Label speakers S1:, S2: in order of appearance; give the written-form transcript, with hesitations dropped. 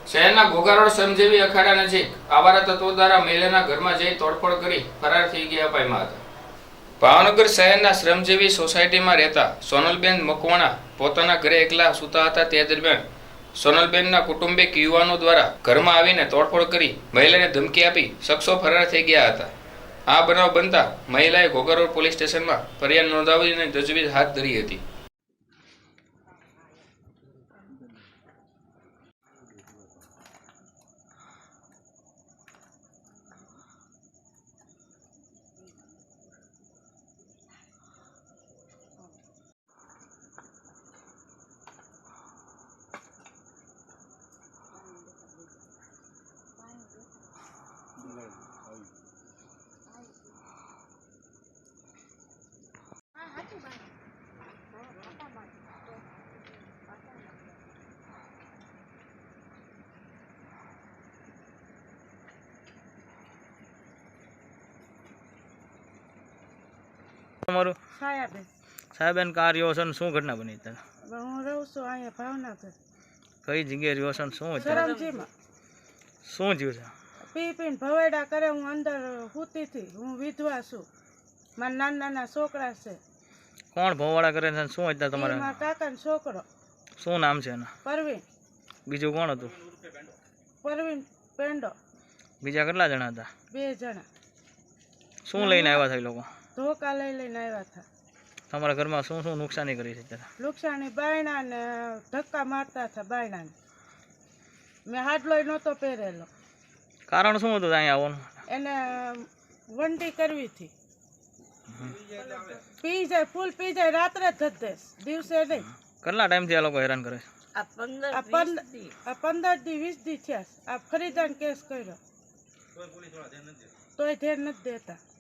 S1: શહેરના ઘોઘારોડ શ્રમજીવી અખાડા નજીક આવારા તત્વો દ્વારા મહિલાના ઘરમાં જઈ તોડફોડ કરી ફરાર થઈ ગયા પામ્યા હતા. ભાવનગર શહેરના શ્રમજીવી સોસાયટીમાં રહેતા સોનલબેન મકવાણા પોતાના ઘરે એકલા સૂતા હતા. તે દરમિયાન સોનલબેનના કુટુંબિક યુવાનો દ્વારા ઘરમાં આવીને તોડફોડ કરી મહિલાને ધમકી આપી શખ્સો ફરાર થઈ ગયા હતા. આ બનાવ બનતા મહિલાએ ઘોઘારોડ પોલીસ સ્ટેશનમાં ફરિયાદ નોંધાવીને તજવીજ હાથ ધરી હતી.
S2: તમારું
S3: સાહેબેન
S2: કાર રહ્યો છે ને શું ઘટના બની તને?
S3: હું રહું છું અહીંયા ભાવનગર.
S2: કઈ જગ્યાએ રહ્યો છે ને શું છે?
S3: સરમજીમાં.
S2: શું થયું છે?
S3: પી પીને ભવેડા કરે. હું અંદર સૂતી હતી. હું વિધવા છું. મારા નાના નાના છોકરા છે.
S2: કોણ ભોવાડા કરે છે? શું હતા તમારા?
S3: મારા કાકાનો છોકરો.
S2: શું નામ છે એના?
S3: પરવીન.
S2: બીજું કોણ હતું?
S3: પરવીન પેંડો.
S2: બીજા કેટલા જણા હતા?
S3: 2 જણા.
S2: શું લઈને આવ્યા હતા એ લોકો?
S3: ધોકા લઈને આવ્યા હતા.
S2: તમારા ઘરમાં શું શું નુકસાની કરી છે ત્યારે?
S3: નુકસાની બાયણા ને ધક્કા મારતા હતા બાયણાને. મેં હાડલોય નહોતો પહેરેલો.
S2: કારણ શું હતું અહીંયા આવવાનું?
S3: એને વંડી કરવી હતી. પી જાય, ફૂલ પી જાય. રાત્રે જ ધધેસ, દિવસે નહીં.
S2: કેટલા ટાઈમથી આ લોકો હેરાન કરે છે?
S3: આ 15 દી 20 દી થયા. આ ફરીદાન કેસ કર્યો તોય ધ્યાન નથી દેતા.